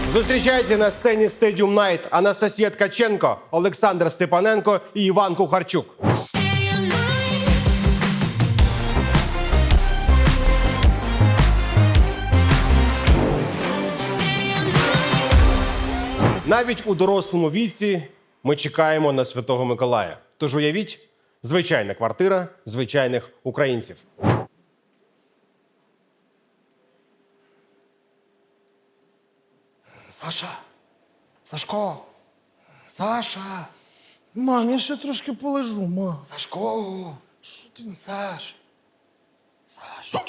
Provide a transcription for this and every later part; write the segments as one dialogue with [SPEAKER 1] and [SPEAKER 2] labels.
[SPEAKER 1] Зустрічайте на сцені Stadium Night Анастасія Ткаченко, Олександр Степаненко і Іван Кухарчук. Навіть у дорослому віці ми чекаємо на Святого Миколая. Тож уявіть, звичайна квартира звичайних українців.
[SPEAKER 2] Саша! Сашко! Саша!
[SPEAKER 3] Мам, я ще трошки полежу, ма.
[SPEAKER 2] Сашко! Що ти? Саш! Саш!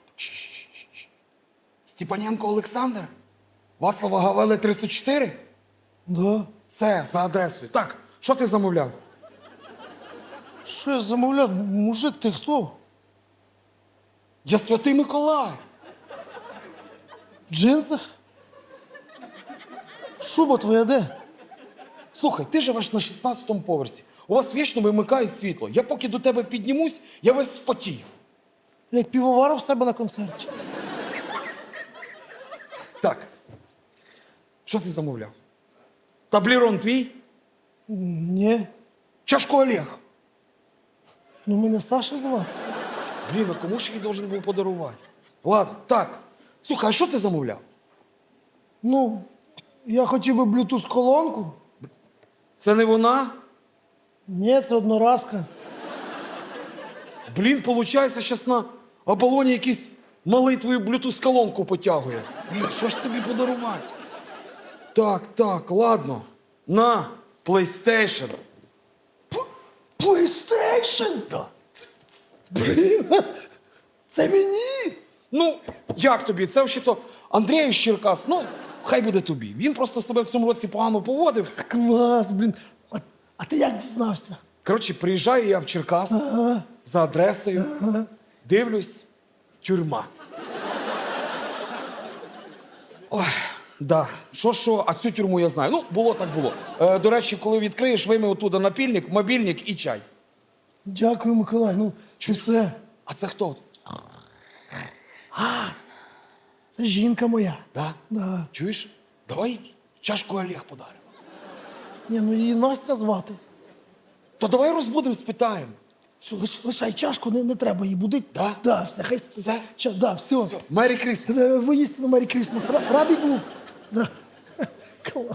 [SPEAKER 2] Степаненко Олександр? Вацлава Гавели 34?
[SPEAKER 3] Да?
[SPEAKER 2] Все, за адресою. Так, що ти замовляв?
[SPEAKER 3] Що я замовляв? Мужик, ти хто?
[SPEAKER 2] Я Святий Миколай.
[SPEAKER 3] В джинсах? Шуба твоя де?
[SPEAKER 2] Слухай, ти живеш на 16-му поверсі. У вас вічно вимикають світло. Я поки до тебе піднімусь, я весь спотію.
[SPEAKER 3] Як півоваров в себе на концерті.
[SPEAKER 2] Так. Що ти замовляв? Таблерон твій?
[SPEAKER 3] Ні.
[SPEAKER 2] Чашку Олег.
[SPEAKER 3] Ну мене Саша звати.
[SPEAKER 2] Блін, а кому ж я її должен був подарувати? Ладно, так. Слухай, а що ти замовляв?
[SPEAKER 3] Ну, я хотів би Bluetooth-колонку.
[SPEAKER 2] Це не вона?
[SPEAKER 3] Ні, це одноразка.
[SPEAKER 2] Блін, виходить, зараз на оболоні якийсь малий твою блютуз-колонку потягує. Блін, що ж тобі подарувати? Так, ладно. На, PlayStation.
[SPEAKER 3] PlayStation?
[SPEAKER 2] Да.
[SPEAKER 3] Блін, це мені?
[SPEAKER 2] Ну, як тобі? Це взагалі-то Андрій Черкас, ну, хай буде тобі. Він просто себе в цьому році погано поводив.
[SPEAKER 3] Клас, блін. А ти як дізнався?
[SPEAKER 2] Коротше, приїжджаю я в Черкас за адресою, дивлюсь, тюрма. Ой, да. Що, а цю тюрму я знаю. Ну, було так було. До речі, коли відкриєш, вийми оттуда напільник, мобільник і чай.
[SPEAKER 3] Дякую, Миколай. Ну, чи все?
[SPEAKER 2] А це хто?
[SPEAKER 3] Це жінка моя.
[SPEAKER 2] Да?
[SPEAKER 3] Да.
[SPEAKER 2] Чуєш? Давай чашку Олег подаримо.
[SPEAKER 3] Ні, ну її Настя звати.
[SPEAKER 2] То давай розбудемо, спитаємо.
[SPEAKER 3] Все, лишай чашку, не треба її будити.
[SPEAKER 2] Да?
[SPEAKER 3] Да, все, хай спить.
[SPEAKER 2] Все?
[SPEAKER 3] Да, все.
[SPEAKER 2] Все, Мері Крісмас.
[SPEAKER 3] Воістину Мері Крісмас. Радий був. Да. Клас.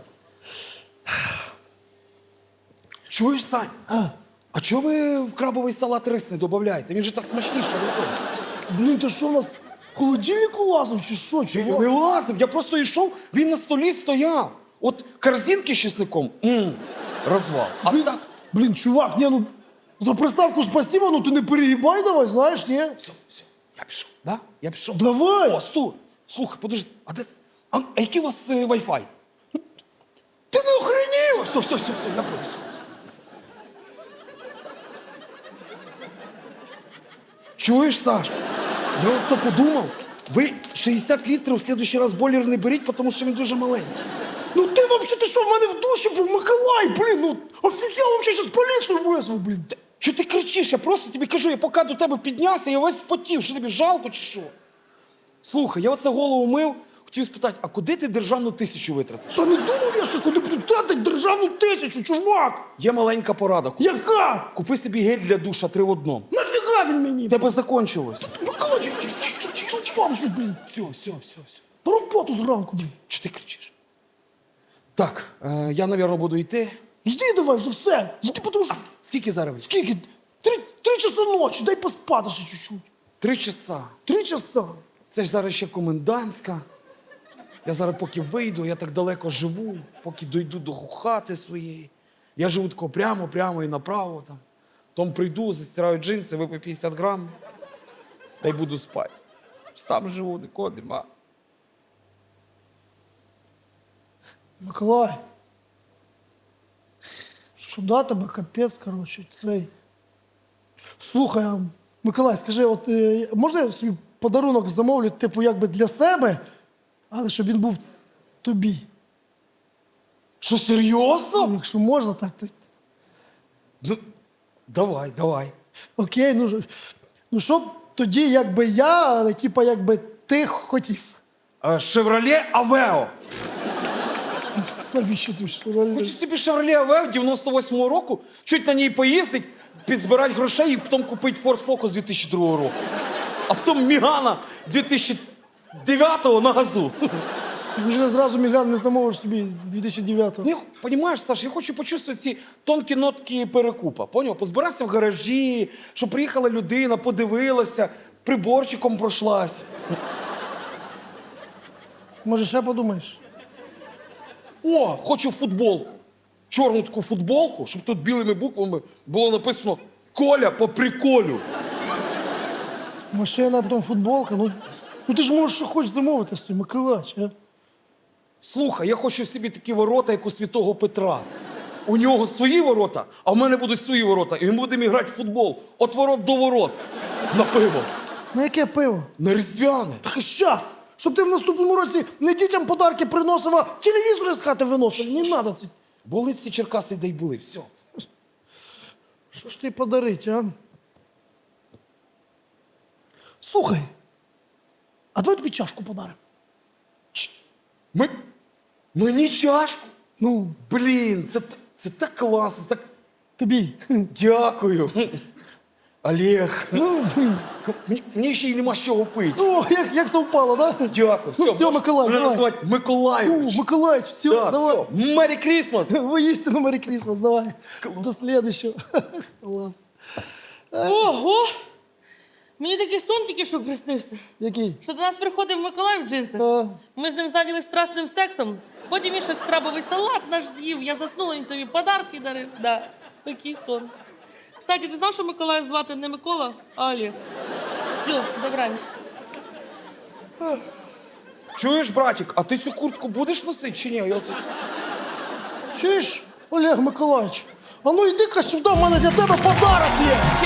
[SPEAKER 2] Чуєш, Сань? А чого ви в крабовий салат рис не додаєте? Він же так смачніше виходить.
[SPEAKER 3] Блін, то що у нас в холодильнику лазив чи що?
[SPEAKER 2] Я
[SPEAKER 3] Чого?
[SPEAKER 2] не лазив, я просто йшов, він на столі стояв. От корзинки з чесником, розвал. А так,
[SPEAKER 3] Блін, чувак, ні, ну за приставку спасибо, ну ти не перегибай давай, знаєш, ні?
[SPEAKER 2] все, я пішов, да? Я пішов.
[SPEAKER 3] Давай.
[SPEAKER 2] О, стой. Слухай, подожди, а де... А який у вас Wi-Fi?
[SPEAKER 3] Ти не охренів?
[SPEAKER 2] Все, я пробую. Чуєш, Саш? Я оце подумав. Ви 60 літрів в следующий раз бойлер не беріть, тому що він дуже маленький.
[SPEAKER 3] Ну ти взагалі, ти що, в мене в душі був Миколай, блін, ну офігел, взагалі, зараз поліцію визвав, блін.
[SPEAKER 2] Чого ти кричиш? Я просто тобі кажу, я поки до тебе піднявся, я весь спотів. Що тобі жалко чи що? Слухай, я оце голову мив, хотів спитати, а куди ти державну 1000 витратиш?
[SPEAKER 3] Та не думав я, що куди буду тратити державну 1000, чувак.
[SPEAKER 2] Є маленька порада.
[SPEAKER 3] Яка?
[SPEAKER 2] Купи собі гель для душа 3 в 1.
[SPEAKER 3] Нафіга він мені?
[SPEAKER 2] В тебе закончилось.
[SPEAKER 3] Миколай, впав же, блін.
[SPEAKER 2] Все.
[SPEAKER 3] На роботу зранку, блін.
[SPEAKER 2] Чого ти кричиш? Так, я, мабуть, буду йти.
[SPEAKER 3] Йди давай вже все. Йди, тому що...
[SPEAKER 2] Скільки зараз?
[SPEAKER 3] Скільки? Три часа ночі, дай поспати ще чуть-чуть.
[SPEAKER 2] 3 часа.
[SPEAKER 3] 3 часа.
[SPEAKER 2] Це ж зараз ще комендантська. Я зараз поки вийду, я так далеко живу, поки дойду до хати своєї. Я живу тако прямо і направо там. Потім прийду, застираю джинси, випив 50 грам, та й буду спати. Сам живу, нікого нема.
[SPEAKER 3] Миколай. Шкода тебе, капець, коротше, цей. Слухай, а, Миколай, скажи, от можна я собі подарунок замовлю, типу, якби для себе, але щоб він був тобі?
[SPEAKER 2] Що, серйозно?
[SPEAKER 3] Ну, якщо можна, так, то...
[SPEAKER 2] Ну, давай.
[SPEAKER 3] Окей, ну що б тоді, якби я, але типа, якби ти хотів.
[SPEAKER 2] Шевроле Авео.
[SPEAKER 3] Навіщо ти Шевроле?
[SPEAKER 2] Хочу собі Chevrolet Aveo 98-го року, чуть на ній поїздить, підзбирати грошей і потім купити Ford Focus 2002 року. А потім Мігана 2009-го на газу.
[SPEAKER 3] Ти вже зразу Міган не замовиш собі 2009-го.
[SPEAKER 2] Ну, розумієш, Саш, я хочу почувствувати ці тонкі нотки перекупа. Поняв? Позбиратися в гаражі, щоб приїхала людина, подивилася, приборчиком пройшлась.
[SPEAKER 3] Може, ще подумаєш?
[SPEAKER 2] О, хочу футболку. Чорну таку футболку, щоб тут білими буквами було написано «Коля по приколю».
[SPEAKER 3] Машина, а потім футболка. Ну ти ж можеш що хочеш замовити собі, Миколаївич, а?
[SPEAKER 2] Слухай, я хочу собі такі ворота, як у Святого Петра. У нього свої ворота, а в мене будуть свої ворота. І ми будемо грати в футбол. От ворот до ворот. На пиво.
[SPEAKER 3] На яке пиво?
[SPEAKER 2] На різдвяне.
[SPEAKER 3] Так і щас! Щоб ти в наступному році не дітям подарки приносив, а телевізори з хати виносив. Не треба це.
[SPEAKER 2] Були ці Черкаси, де й були. Все.
[SPEAKER 3] Що ж ти подарить, а? Слухай, а давай тобі чашку подаримо.
[SPEAKER 2] Мені чашку?
[SPEAKER 3] Ну,
[SPEAKER 2] Блін, це так класно, так
[SPEAKER 3] тобі.
[SPEAKER 2] дякую. Олег.
[SPEAKER 3] Ну, блін.
[SPEAKER 2] Мені ще й нема з чого пити.
[SPEAKER 3] О, як совпало, да?
[SPEAKER 2] Дякую.
[SPEAKER 3] Ну, все, Миколай,
[SPEAKER 2] Мене
[SPEAKER 3] давай.
[SPEAKER 2] називають Миколайович.
[SPEAKER 3] Миколаївич, все,
[SPEAKER 2] Да,
[SPEAKER 3] давай.
[SPEAKER 2] все. Мері Крісмас.
[SPEAKER 3] Воістину Мері Крісмас, давай. До следующего. Клас.
[SPEAKER 4] Ого! Мені такий сон тільки що приснився.
[SPEAKER 3] Який?
[SPEAKER 4] Що до нас приходив Миколай в джинсах.
[SPEAKER 3] А,
[SPEAKER 4] Ми з ним зайнялись страсним сексом. Потім він щось крабовий салат наш з'їв. Я заснула, він тобі подарки дарив. Да, такий сон. Кстати, ти знав, що Миколая звати не Микола, а Олег? Все, добраніч.
[SPEAKER 2] Чуєш, братик, а ти цю куртку будеш носити чи ні?
[SPEAKER 3] чуєш, Олег Миколаївич? А ну йди-ка сюди, в мене для тебе подарок є.